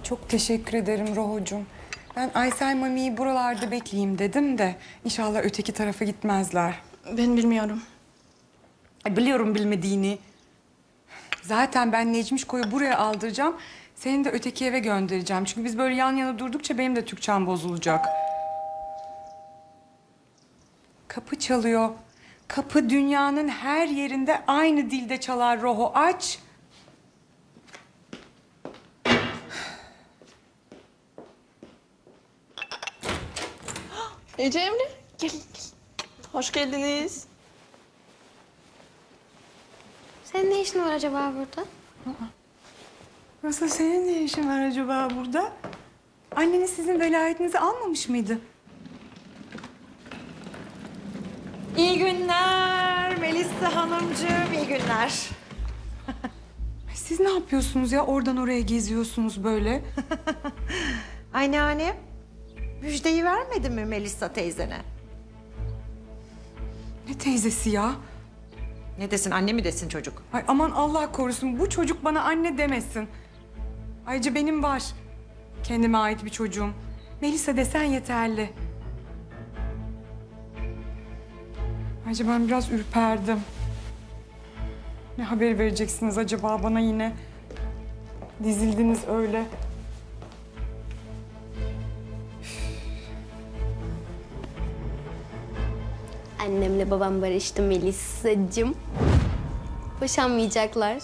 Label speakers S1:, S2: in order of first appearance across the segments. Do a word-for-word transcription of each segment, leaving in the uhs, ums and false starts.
S1: Çok teşekkür ederim Rohocuğum. Ben Aysel Mami'yi buralarda bekleyeyim dedim de inşallah öteki tarafa gitmezler.
S2: Ben bilmiyorum.
S1: Ay, biliyorum bilmediğini. Zaten ben Necmişko'yu buraya aldıracağım. Seni de öteki eve göndereceğim. Çünkü biz böyle yan yana durdukça benim de Türkçem bozulacak. Kapı çalıyor. Kapı dünyanın her yerinde aynı dilde çalar Roho. Aç.
S2: Ece Emre, gelin gelin. Hoş geldiniz.
S3: Senin ne işin var acaba burada?
S1: Nasıl, senin ne işin var acaba burada? Anneniz sizin velayetinizi almamış mıydı?
S4: İyi günler Melisa Hanımcığım, iyi günler.
S1: Ay, siz ne yapıyorsunuz ya? Oradan oraya geziyorsunuz böyle.
S4: Anneannem, müjdeyi vermedin mi Melisa teyzene?
S1: Ne teyzesi ya?
S4: Ne desin, anne mi desin çocuk?
S1: Ay aman Allah korusun, bu çocuk bana anne demesin. Ayrıca benim var. Kendime ait bir çocuğum. Melisa desen yeterli. Ayrıca ben biraz ürperdim. Ne haber vereceksiniz acaba bana yine? Dizildiniz öyle.
S3: Annemle babam barıştı Melisa'cığım. Boşanmayacaklar.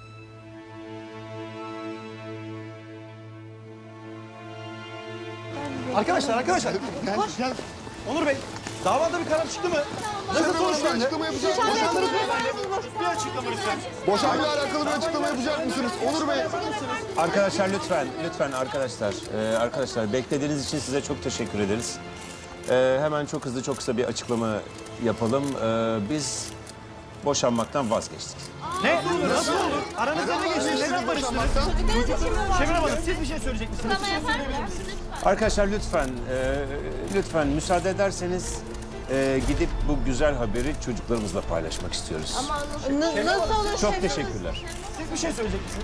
S5: Arkadaşlar, arkadaşlar.
S6: Gel, gel.
S5: Onur Bey, davada bir karar çıktı mı? Nasıl sonuçlandı?
S6: Açıklama yapacak mısınız?
S5: Bir açıklama lütfen.
S6: Boşanmayla alakalı bir açıklama yapacak mısınız? Onur Bey.
S7: Arkadaşlar lütfen, lütfen arkadaşlar. Ee, arkadaşlar beklediğiniz için size çok teşekkür ederiz. Ee, hemen çok hızlı, çok kısa bir açıklama yapalım. Ee, biz boşanmaktan vazgeçtik.
S5: Ne? Nasıl olur? Aranızda ne geçti? Neden barıştınız? Şebnem Hanım, siz bir şey söyleyecek misiniz?
S7: Arkadaşlar lütfen, e, lütfen müsaade ederseniz e, gidip bu güzel haberi çocuklarımızla paylaşmak istiyoruz.
S2: Nasıl olur?
S7: Çok teşekkürler.
S5: Siz bir şey söyleyecek misiniz?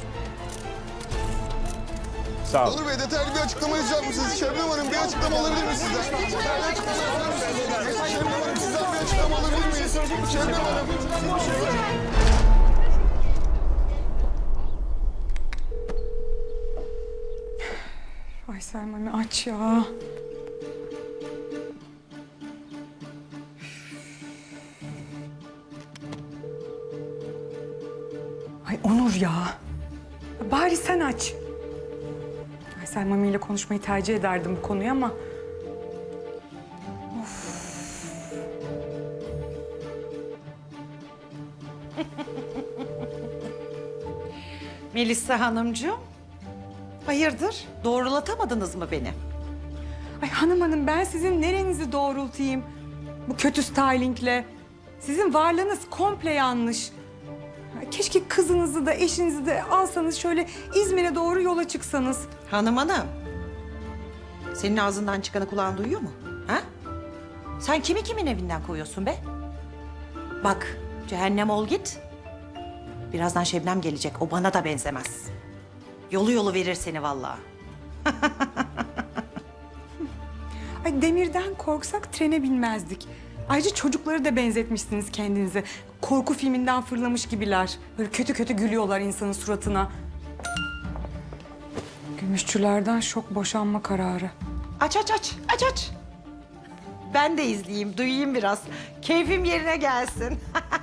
S7: Sağ olun.
S6: Onur Bey detaylı bir açıklama yapacak mısınız? Şebnem Hanım bir açıklama alabilir miyiz sizden? Detaylı açıklama alabilir miyiz? Şebnem Hanım sizden bir açıklama alabilir miyiz? Şebnem Hanım.
S1: Ay Selma'nı aç ya. Ay Onur ya. Bari sen aç. Ay Selma ile konuşmayı tercih ederdim bu konuyu ama...
S4: Melisa Hanımcığım, hayırdır? Doğrulatamadınız mı beni?
S1: Ay hanım hanım, ben sizin nerenizi doğrultayım? Bu kötü stylingle. Sizin varlığınız komple yanlış. Ay, keşke kızınızı da eşinizi de alsanız şöyle İzmir'e doğru yola çıksanız.
S4: Hanım hanım, senin ağzından çıkanı kulağın duyuyor mu? Ha? Sen kimi kimin evinden koyuyorsun be? Bak, cehennem ol git. Birazdan Şebnem gelecek, o bana da benzemez. Yolu yolu verir seni vallahi.
S1: Ay demirden korksak trene binmezdik. Ayrıca çocukları da benzetmişsiniz kendinize. Korku filminden fırlamış gibiler. Böyle kötü kötü gülüyorlar insanın suratına. Gümüşçülerden şok boşanma kararı.
S4: Aç aç aç, aç aç. Ben de izleyeyim, duyayım biraz. Keyfim yerine gelsin.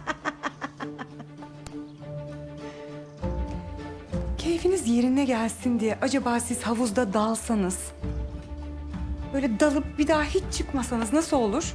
S1: Keyfiniz yerine gelsin diye acaba siz havuzda dalsanız... böyle dalıp bir daha hiç çıkmasanız nasıl olur?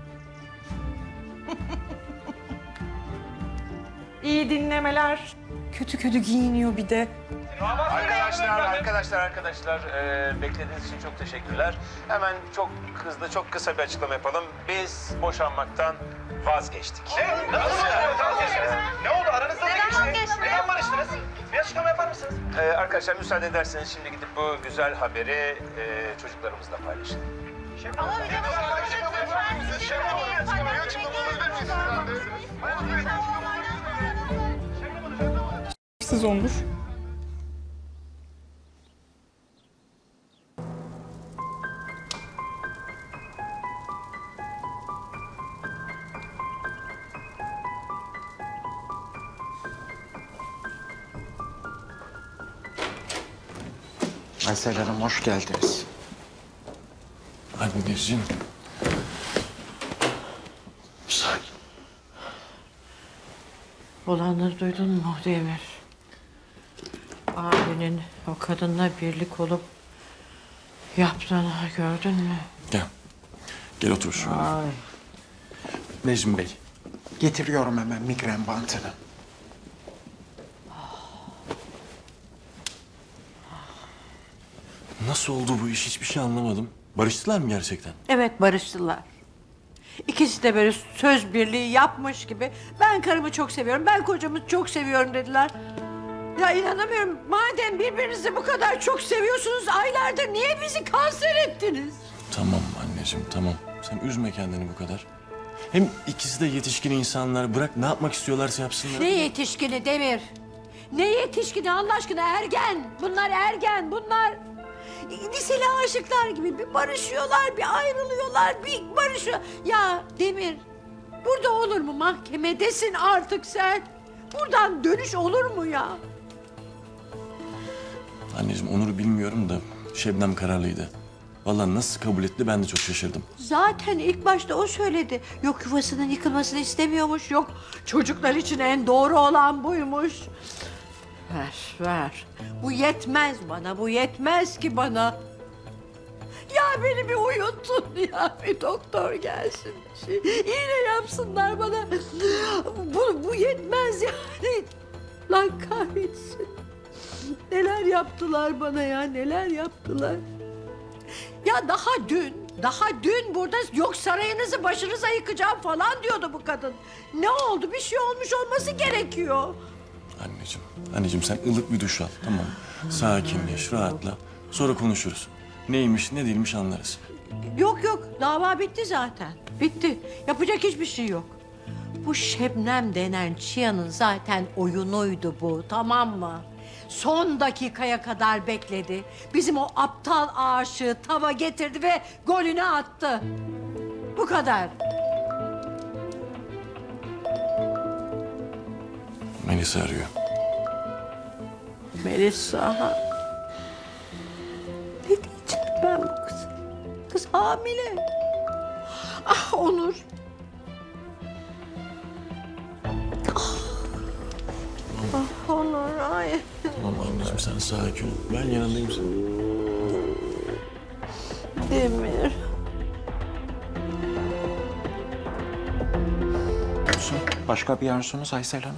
S4: İyi dinlemeler.
S1: Kötü kötü giyiniyor bir de.
S7: Arkadaşlar, arkadaşlar, arkadaşlar e, beklediğiniz için çok teşekkürler. Hemen çok hızlı, çok kısa bir açıklama yapalım. Biz boşanmaktan vazgeçtik.
S5: Ne? Nasıl vazgeçtiniz? Ne oldu? Aranızda ne geçti? Neden barıştınız? Bir açıklama yapar mısınız?
S7: Ee, arkadaşlar müsaade ederseniz şimdi gidip bu güzel haberi e, çocuklarımızla paylaşın.
S6: Şebnem Hanım bir açıklama alabilir miyiz? Şebnem Hanım bir açıklama alabilir miyiz sizden de? Onur Bey bir açıklama alabilir miyiz?
S1: Siz Onur.
S8: Aysel Hanım hoş geldiniz.
S9: Anneciğim. Sakin.
S10: Olanları duydun mu Demir? Abinin o kadınla birlik olup yaptığını gördün mü?
S9: Gel. Gel otur şöyle.
S10: Ay.
S9: Necmi Bey.
S8: Getiriyorum hemen migren bantını.
S9: Nasıl oldu bu iş hiçbir şey anlamadım. Barıştılar mı gerçekten?
S10: Evet, barıştılar. İkisi de böyle söz birliği yapmış gibi ben karımı çok seviyorum, ben kocamı çok seviyorum dediler. Ya inanamıyorum. Madem birbirinizi bu kadar çok seviyorsunuz aylardır niye bizi kanser ettiniz?
S9: Tamam anneciğim tamam. Sen üzme kendini bu kadar. Hem ikisi de yetişkin insanlar. Bırak ne yapmak istiyorlarsa yapsınlar.
S10: Ne yetişkini Demir? Ne yetişkini Allah aşkına ergen. Bunlar ergen bunlar. Liseli aşıklar gibi bir barışıyorlar, bir ayrılıyorlar, bir barışıyor. Ya Demir, burada olur mu? Mahkemedesin artık sen. Buradan dönüş olur mu ya?
S9: Anneciğim Onur'u bilmiyorum da Şebnem kararlıydı. Vallahi nasıl kabul etti ben de çok şaşırdım.
S10: Zaten ilk başta o söyledi. Yok yuvasının yıkılmasını istemiyormuş, yok çocuklar için en doğru olan buymuş. Ver, ver. Bu yetmez bana, bu yetmez ki bana. Ya beni bir uyutun ya, bir doktor gelsin. Bir şey, iğne yapsınlar bana. Bu, bu yetmez yani. Lan kahretsin. Neler yaptılar bana ya, neler yaptılar. Ya daha dün, daha dün burada yok sarayınızı başınıza yıkacağım falan diyordu bu kadın. Ne oldu? Bir şey olmuş olması gerekiyor.
S9: Anneciğim, anneciğim sen ılık bir duş al tamam mı? Sakinleş, rahatla. Sonra konuşuruz. Neymiş, ne değilmiş anlarız.
S10: Yok yok, dava bitti zaten. Bitti. Yapacak hiçbir şey yok. Bu Şebnem denen Çiyan'ın zaten oyunuydu bu, tamam mı? Son dakikaya kadar bekledi. Bizim o aptal aşığı tava getirdi ve golünü attı. Bu kadar.
S9: Melisa arıyor.
S10: Melisa. Ne diyeceğim ben bu kıza? Kız hamile. Ah Onur. Ah, ah Onur ay.
S9: Tamam anneciğim sen sakin ol. Ben yanındayım senin.
S10: Demir.
S8: Olsun. Başka bir arzunuz Aysel Hanım?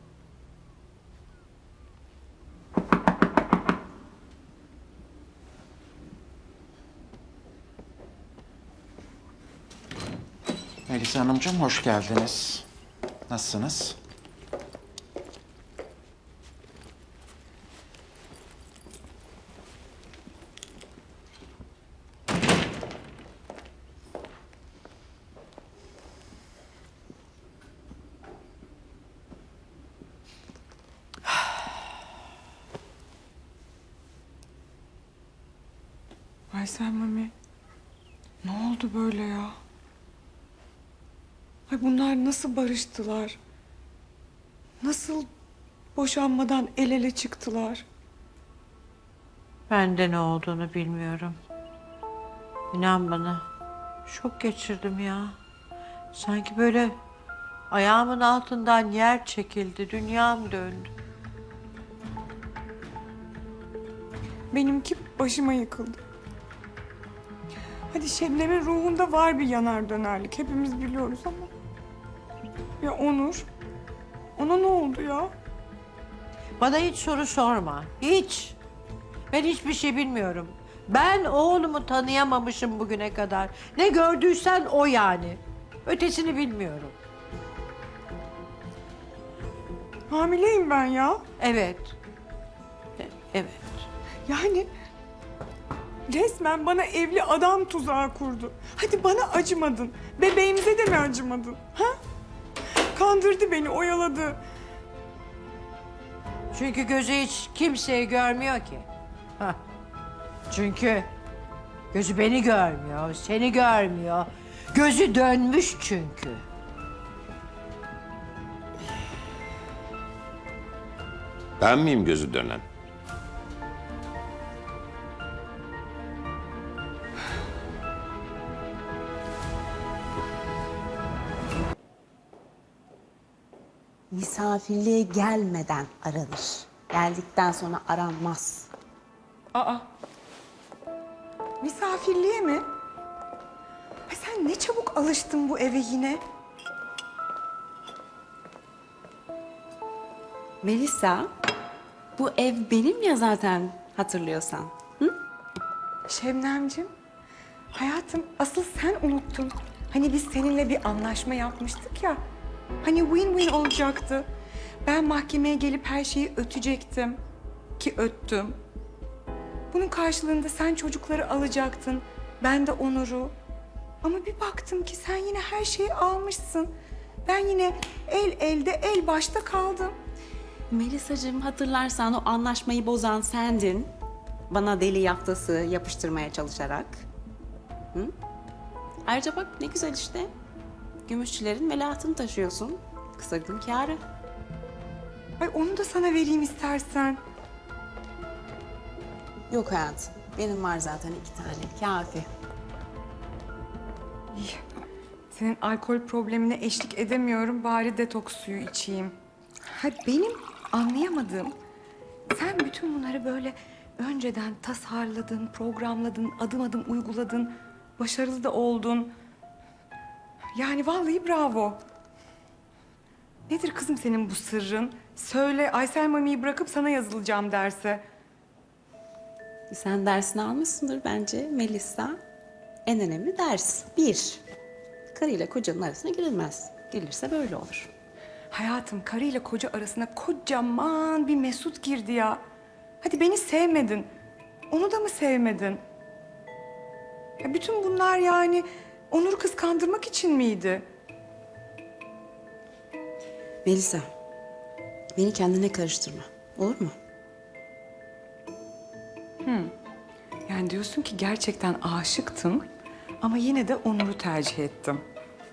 S8: Melisa Hanımcığım hoş geldiniz. Nasılsınız?
S1: Aysel Mami, ne oldu böyle ya? Ay bunlar nasıl barıştılar? Nasıl boşanmadan el ele çıktılar?
S10: Ben de ne olduğunu bilmiyorum. İnan bana. Şok geçirdim ya. Sanki böyle ayağımın altından yer çekildi. Dünyam döndü.
S1: Benimki başıma yıkıldı. Hadi Şebnem'in ruhunda var bir yanar dönerlik. Hepimiz biliyoruz ama. Ya Onur? Ona ne oldu ya?
S10: Bana hiç soru sorma. Hiç. Ben hiçbir şey bilmiyorum. Ben oğlumu tanıyamamışım bugüne kadar. Ne gördüysen o yani. Ötesini bilmiyorum.
S1: Hamileyim ben ya.
S10: Evet. E- Evet.
S1: Yani resmen bana evli adam tuzağı kurdu. Hadi bana acımadın. Bebeğimize de mi acımadın? Ha? Kandırdı beni, oyaladı.
S10: Çünkü gözü hiç kimseyi görmüyor ki. Hah. Çünkü gözü beni görmüyor, seni görmüyor. Gözü dönmüş çünkü.
S7: Ben miyim gözü dönen?
S11: misafirliğe gelmeden aranır. Geldikten sonra aranmaz.
S1: Aa. Misafirliğe mi? Ay sen ne çabuk alıştın bu eve yine.
S11: Melisa, bu ev benim ya zaten hatırlıyorsan.
S1: Şebnemciğim, hayatım asıl sen unuttun. Hani biz seninle bir anlaşma yapmıştık ya. Hani win-win olacaktı. Ben mahkemeye gelip her şeyi ötecektim. Ki öttüm. Bunun karşılığında sen çocukları alacaktın. Ben de Onur'u. Ama bir baktım ki sen yine her şeyi almışsın. Ben yine el elde el başta kaldım.
S11: Melisacığım, hatırlarsan o anlaşmayı bozan sendin. Bana deli yaftası yapıştırmaya çalışarak. Hı? Ayrıca bak ne güzel işte. Gümüşçülerin velahtını taşıyorsun. Kısa gün kârı.
S1: Ay onu da sana vereyim istersen.
S11: Yok hayatım. Benim var zaten iki tane. Kafi.
S1: İyi. Senin alkol problemine eşlik edemiyorum. Bari detoks suyu içeyim. Ha benim anlayamadığım, sen bütün bunları böyle önceden tasarladın, programladın, adım adım uyguladın, başarılı da oldun. Yani vallahi bravo. Nedir kızım senin bu sırrın? Söyle, Aysel Mami'yi bırakıp sana yazılacağım derse.
S11: Sen dersini almışsındır bence Melisa. En önemli ders. Bir, karıyla kocanın arasına girilmez. Girilirse böyle olur.
S1: Hayatım, karıyla koca arasına kocaman bir Mesut girdi ya. Hadi beni sevmedin. Onu da mı sevmedin? Ya bütün bunlar yani Onur'u kıskandırmak için miydi?
S11: Melisa, beni kendine karıştırma. Olur mu?
S1: Yani diyorsun ki gerçekten aşıktım ama yine de Onur'u tercih ettim.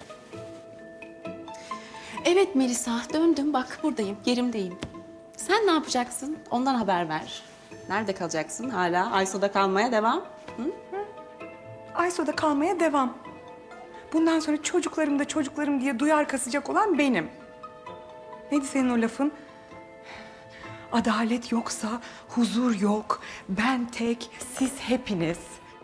S11: Evet Melisa, döndüm. Bak buradayım, yerimdeyim. Sen ne yapacaksın? Ondan haber ver. Nerede kalacaksın? Hala Ayso'da kalmaya devam.
S1: Ayso'da kalmaya devam. Bundan sonra çocuklarım da çocuklarım diye duyar kasacak olan benim. Neydi senin o lafın? Adalet yoksa huzur yok. Ben tek, siz hepiniz.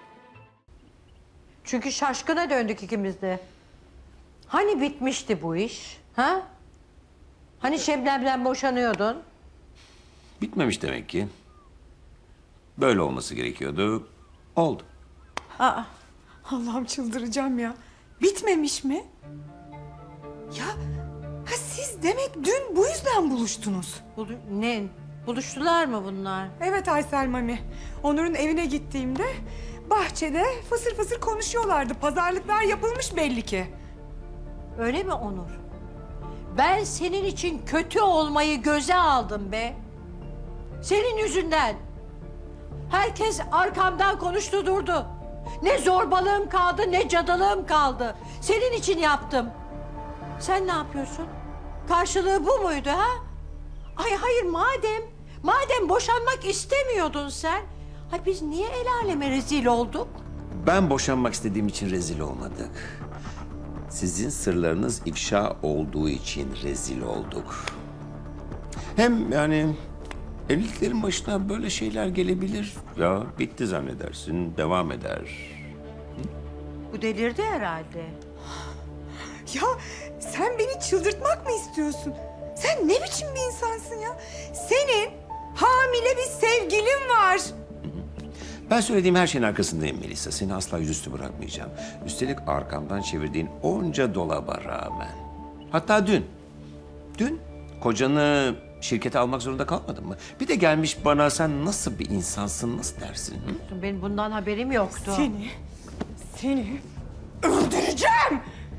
S10: Çünkü şaşkına döndük ikimiz de. Hani bitmişti bu iş? Ha? Hani Şebnem'den boşanıyordun?
S7: Bitmemiş demek ki. Böyle olması gerekiyordu. Oldu.
S1: Aa, Allah'ım çıldıracağım ya. Bitmemiş mi? Ya ha siz demek dün bu yüzden buluştunuz.
S10: Bulu- ne? Buluştular mı bunlar?
S1: Evet Aysel Mami. Onur'un evine gittiğimde bahçede fısır fısır konuşuyorlardı. Pazarlıklar yapılmış belli ki.
S10: Öyle mi Onur? Ben senin için kötü olmayı göze aldım be. Senin yüzünden. Herkes arkamdan konuştu durdu. Ne zorbalığım kaldı ne cadılığım kaldı. Senin için yaptım. Sen ne yapıyorsun? Karşılığı bu muydu ha? Ay hayır madem, madem boşanmak istemiyordun sen. Ay biz niye el aleme rezil olduk?
S7: Ben boşanmak istediğim için rezil olmadık. Sizin sırlarınız ifşa olduğu için rezil olduk. Hem yani evliliklerin başına böyle şeyler gelebilir. Ya bitti zannedersin, devam eder.
S10: Bu delirdi herhalde.
S1: Ya sen beni çıldırtmak mı istiyorsun? Sen ne biçim bir insansın ya? Senin hamile bir sevgilin var.
S7: Ben söylediğim her şeyin arkasındayım Melisa. Seni asla yüzüstü bırakmayacağım. Üstelik arkamdan çevirdiğin onca dolaba rağmen. Hatta dün, dün kocanı şirkete almak zorunda kalmadın mı? Bir de gelmiş bana sen nasıl bir insansın, nasıl dersin? Hı?
S10: Benim bundan haberim yoktu.
S1: Seni, seni öldüreceğim.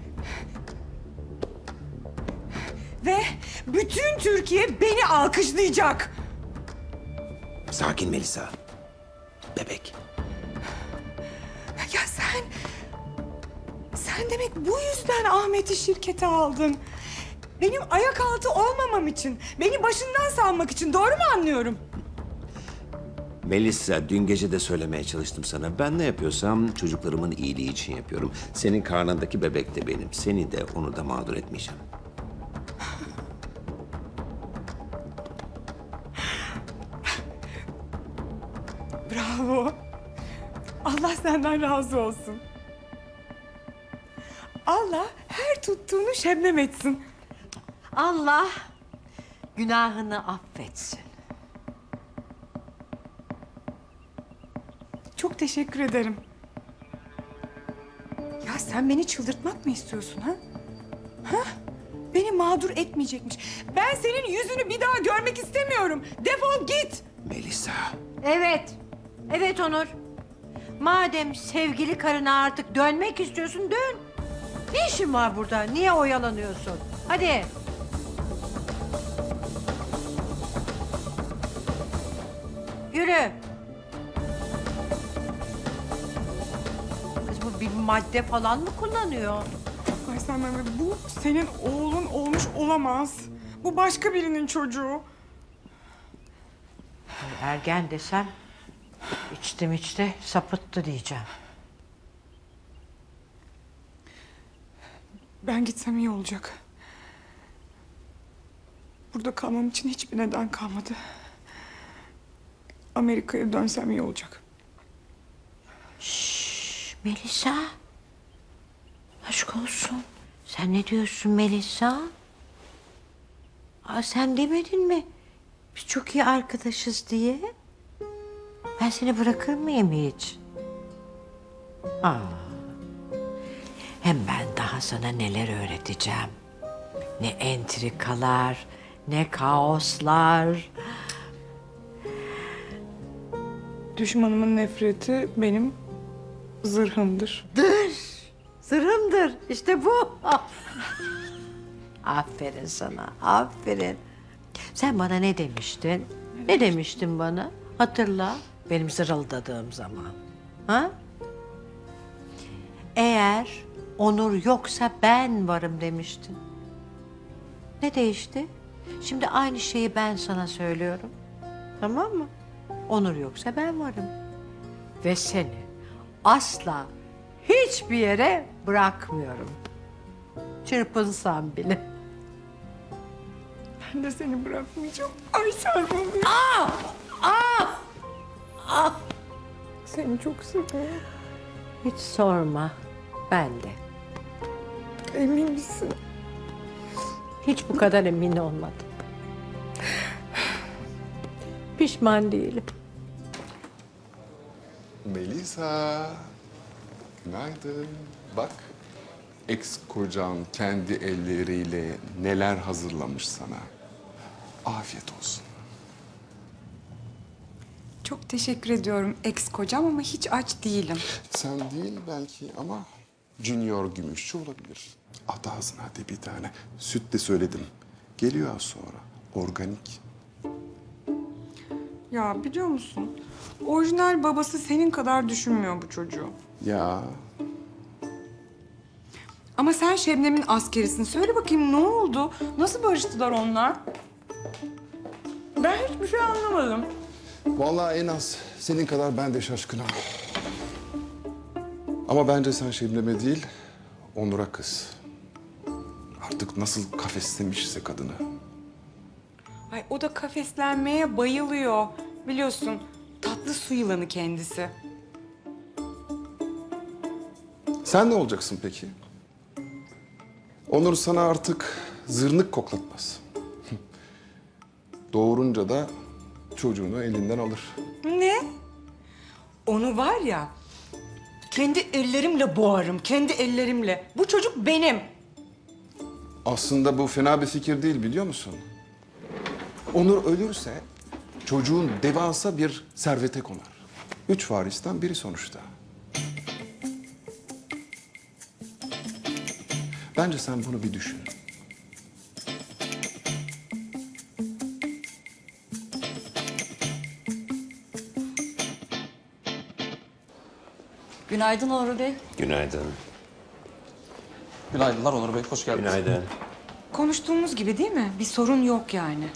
S1: Ve bütün Türkiye beni alkışlayacak.
S7: Sakin Melisa. Bebek.
S1: Ya sen... Sen demek bu yüzden Ahmet'i şirkete aldın. Benim ayak altı olmamam için, beni başından salmak için doğru mu anlıyorum?
S7: Melisa, dün gece de söylemeye çalıştım sana. Ben ne yapıyorsam çocuklarımın iyiliği için yapıyorum. Senin karnındaki bebek de benim. Seni de onu da mağdur etmeyeceğim.
S1: Bravo. Allah senden razı olsun. Allah her tuttuğunu şebnem etsin.
S10: Allah günahını affetsin.
S1: Çok teşekkür ederim. Ya sen beni çıldırtmak mı istiyorsun ha? Ha? Beni mağdur etmeyecekmiş. Ben senin yüzünü bir daha görmek istemiyorum. Defol git.
S7: Melisa.
S10: Evet, evet Onur. Madem sevgili karına artık dönmek istiyorsun, dön. Ne işin var burada? Niye oyalanıyorsun? Hadi. Yürü. Kız bu bir madde falan mı kullanıyor?
S1: Aysel Mehmet, bu senin oğlun olmuş olamaz. Bu başka birinin çocuğu.
S10: Ergen desem içtim içti sapıttı diyeceğim.
S1: Ben gitsem iyi olacak. Burada kalmam için hiçbir neden kalmadı. Amerika'ya dönsem iyi olacak.
S10: Şşş, Melisa. Aşk olsun. Sen ne diyorsun Melisa? Aa, sen demedin mi? Biz çok iyi arkadaşız diye. Ben seni bırakır mıyım hiç? Aa. Hem ben daha sana neler öğreteceğim. Ne entrikalar, ne kaoslar.
S1: Düşmanımın nefreti benim zırhımdır.
S10: Sırrımdır. İşte bu. Aferin sana. Aferin. Sen bana ne demiştin? Ne demiştin bana? Hatırla. Benim zırıldadığım zaman. Ha? Eğer Onur yoksa ben varım demiştin. Ne değişti? Şimdi aynı şeyi ben sana söylüyorum. Tamam mı? Onur yoksa ben varım. Ve seni asla hiçbir yere bırakmıyorum. Çırpınsam bile.
S1: Ben de seni bırakmayacağım. Aysel Mehmet.
S10: Aa! Aa! Aa!
S1: Seni çok seviyorum.
S10: Hiç sorma. Ben de.
S1: Emin misin?
S10: Hiç bu kadar emin olmadım. Pişman değilim.
S6: Melisa. Günaydın. Bak. Ex kocan kendi elleriyle neler hazırlamış sana. Afiyet olsun.
S1: Çok teşekkür ediyorum ex kocam ama hiç aç değilim.
S6: Sen değil belki ama Junior Gümüşçü olabilir. At ağzına hadi bir tane. Süt de söyledim. Geliyor az sonra. Organik.
S1: Ya biliyor musun? Orijinal babası senin kadar düşünmüyor bu çocuğu.
S6: Ya
S1: Ama sen Şebnem'in askerisin. Söyle bakayım ne oldu? Nasıl barıştılar onlar? Ben hiçbir şey anlamadım.
S6: vallahi en az senin kadar ben de şaşkınım. Ama bence sen Şebnem'e değil, Onur'a kız. Artık nasıl kafeslemişse kadını.
S1: Ay o da kafeslenmeye bayılıyor. Biliyorsun tatlı su yılanı kendisi.
S6: Sen ne olacaksın peki? Onur sana artık zırnık koklatmaz. Doğurunca da çocuğunu elinden alır.
S1: Ne? Onu var ya, kendi ellerimle boğarım, kendi ellerimle. Bu çocuk benim.
S6: Aslında bu fena bir fikir değil biliyor musun? Onur ölürse çocuğun devasa bir servete konar. Üç varisten biri sonuçta. Bence sen bunu bir düşün.
S2: Günaydın Onur Bey.
S7: Günaydın.
S5: Günaydınlar Onur Bey, hoş geldiniz.
S7: Günaydın.
S1: Konuştuğumuz gibi değil mi? Bir sorun yok yani.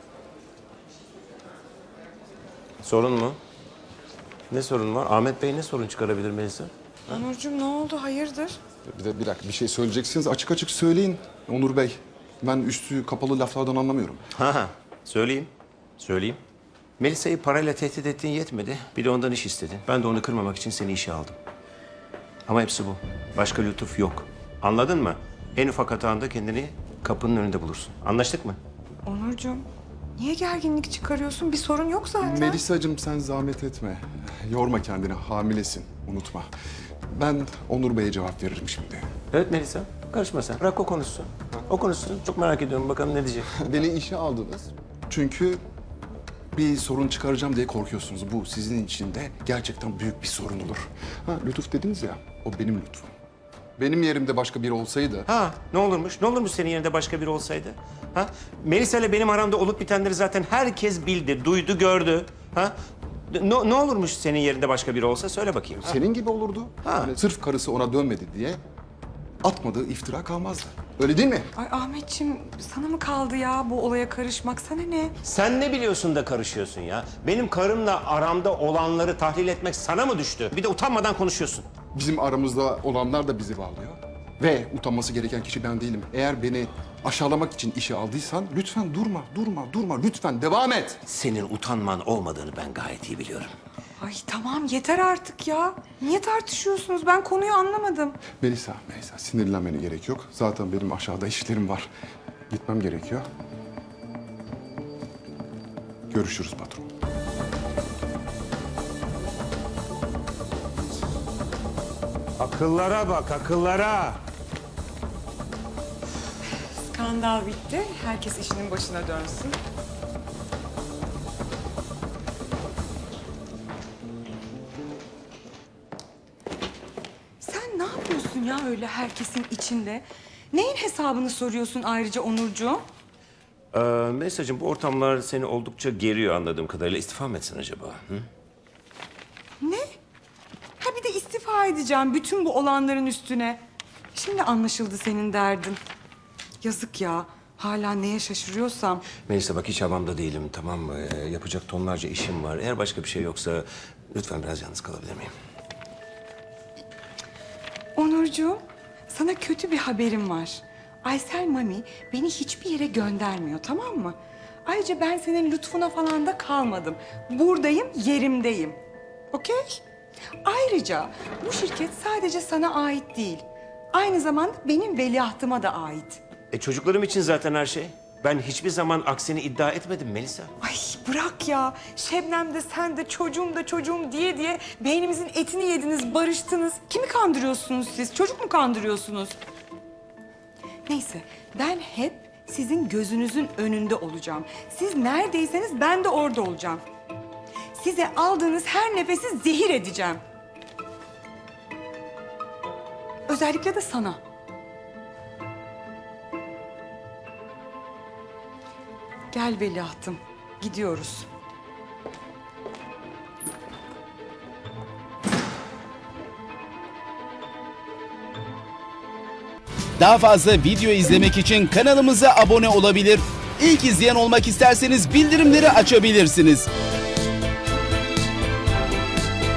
S7: Sorun mu? Ne sorun var? Ahmet Bey ne sorun çıkarabilir Melisa?
S1: Onurcuğum ne oldu? Hayırdır?
S6: Bir de bir dakika bir şey söyleyeceksiniz açık açık söyleyin Onur Bey. Ben üstü kapalı laflardan anlamıyorum.
S7: Ha ha. Söyleyeyim. Söyleyeyim. Melisa'yı parayla tehdit ettiğin yetmedi. Bir de ondan iş istedin. Ben de onu kırmamak için seni işe aldım. Ama hepsi bu. Başka lütuf yok. Anladın mı? En ufak hatanda kendini kapının önünde bulursun. Anlaştık mı?
S1: Onurcuğum, niye gerginlik çıkarıyorsun? Bir sorun yok zaten.
S6: Melisa'cığım sen zahmet etme. Yorma kendini, hamilesin. Unutma. Ben Onur Bey'e cevap veririm şimdi.
S7: Evet Melisa. Karışma sen. Bırak o konuşsun. O konuşsun. Çok merak ediyorum. Bakalım ne diyecek.
S6: Beni işe aldınız. Çünkü bir sorun çıkaracağım diye korkuyorsunuz. Bu sizin için de gerçekten büyük bir sorun olur. Ha, lütuf dediniz ya, o benim lütfum. Benim yerimde başka biri olsaydı...
S7: Ha ne olurmuş? Ne olurmuş senin yerinde başka biri olsaydı? Ha? Melisa ile benim aramda olup bitenleri zaten herkes bildi, duydu, gördü. Ha? Ne, ne olurmuş senin yerinde başka biri olsa söyle bakayım. Ha?
S6: Senin gibi olurdu.
S7: Ha.
S6: Yani sırf karısı ona dönmedi diye atmadığı iftira kalmazdı. Öyle değil mi?
S1: Ay Ahmetciğim, sana mı kaldı ya bu olaya karışmak? Sana ne?
S7: Sen ne biliyorsun da karışıyorsun ya? Benim karımla aramda olanları tahlil etmek sana mı düştü? Bir de utanmadan konuşuyorsun.
S6: Bizim aramızda olanlar da bizi bağlıyor. Ve utanması gereken kişi ben değilim. Eğer beni aşağılamak için işe aldıysan lütfen durma, durma, durma. Lütfen devam et.
S7: Senin utanman olmadığını ben gayet iyi biliyorum.
S1: Ay tamam yeter artık ya. Niye tartışıyorsunuz? Ben konuyu anlamadım.
S6: Melisa, Melisa sinirlenmene gerek yok. Zaten benim aşağıda işlerim var. Gitmem gerekiyor. Görüşürüz patron.
S7: Akıllara bak, akıllara.
S1: Skandal bitti. Herkes işinin başına dönsün. Sen ne yapıyorsun ya öyle herkesin içinde? Neyin hesabını soruyorsun ayrıca Onurcuğum?
S7: Ee, Melisa'cığım bu ortamlar seni oldukça geriyor anladığım kadarıyla. İstifa mı etsin acaba? Hı?
S1: Ne? Ha bir de istifa edeceğim bütün bu olanların üstüne. Şimdi anlaşıldı senin derdin. Yazık ya. Hala neye şaşırıyorsam.
S7: Melisa bak hiç havamda değilim tamam mı? Ee, yapacak tonlarca işim var. Eğer başka bir şey yoksa lütfen biraz yalnız kalabilir miyim?
S1: Onurcuğum, sana kötü bir haberim var. Aysel Mami beni hiçbir yere göndermiyor, tamam mı? Ayrıca ben senin lütfuna falan da kalmadım. Buradayım, yerimdeyim. Okey? Ayrıca bu şirket sadece sana ait değil. Aynı zamanda benim veliahtıma da ait.
S7: E çocuklarım için zaten her şey. Ben hiçbir zaman aksini iddia etmedim Melisa.
S1: Ay bırak ya. Şebnem de sen de çocuğum da çocuğum diye diye beynimizin etini yediniz, barıştınız. Kimi kandırıyorsunuz siz? Çocuk mu kandırıyorsunuz? Neyse, ben hep sizin gözünüzün önünde olacağım. Siz neredeyseniz ben de orada olacağım. Size aldığınız her nefesi zehir edeceğim. Özellikle de sana. Gel veliahtım, gidiyoruz.
S12: Daha fazla video izlemek için kanalımıza abone olabilir. İlk izleyen olmak isterseniz bildirimleri açabilirsiniz.